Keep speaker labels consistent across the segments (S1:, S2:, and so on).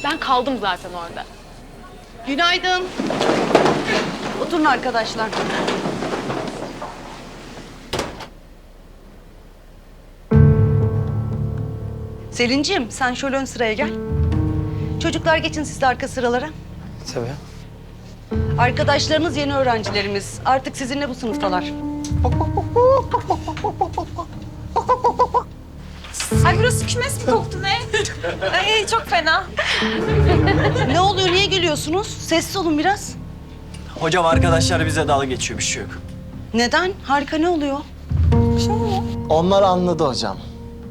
S1: Ben kaldım zaten orada.
S2: Günaydın. Oturun arkadaşlar. Selin'ciğim sen şöyle ön sıraya gel. Çocuklar geçin siz de arka sıralara.
S3: Tabii.
S2: Arkadaşlarınız yeni öğrencilerimiz. Artık sizinle bu sınıftalar.
S4: Ay burası kümes mi koktu ne? Ay çok fena.
S2: Ne oluyor, niye gülüyorsunuz? Sessiz olun biraz.
S3: Hocam arkadaşlar bize dalga geçiyor, bir şey yok.
S2: Neden? Harika, ne oluyor?
S5: Onlar anladı hocam.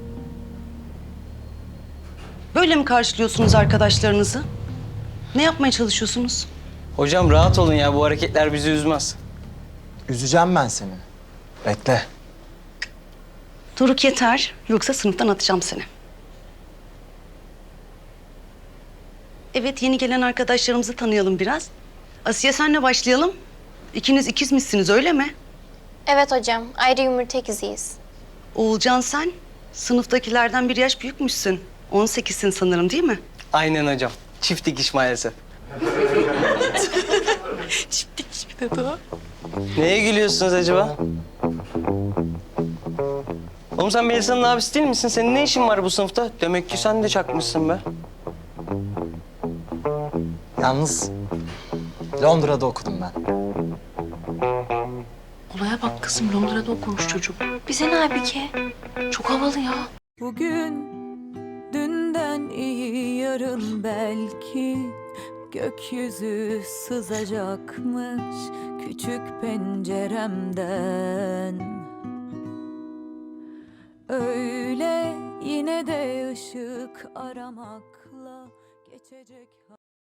S2: Böyle mi karşılıyorsunuz arkadaşlarınızı? Ne yapmaya çalışıyorsunuz?
S3: Hocam rahat olun ya, bu hareketler bizi üzmez.
S5: Üzeceğim ben seni. Bekle.
S2: Doruk yeter, yoksa sınıftan atacağım seni. Evet, yeni gelen arkadaşlarımızı tanıyalım biraz. Asiye senle başlayalım. İkiniz ikizmişsiniz, öyle mi?
S6: Evet hocam, ayrı yumurta ikiziyiz.
S2: Oğulcan sen, sınıftakilerden bir yaş büyükmüşsün. 18'sin sanırım, değil mi?
S3: Aynen hocam. Çift dikiş maalesef.
S1: Çift dikiş bir dedi o.
S3: Neye gülüyorsunuz acaba? Oğlum sen Melisa'nın abisi değil misin? Senin ne işin var bu sınıfta? Demek ki sen de çakmışsın be.
S5: Yalnız Londra'da okudum ben.
S1: Olaya bak kızım, Londra'da okumuş çocuk. Bize ne Aybike? Çok havalı ya.
S7: Bugün dünden iyi yarın belki gökyüzü sızacakmış küçük penceremden. Öyle yine de ışık aramakla geçecek.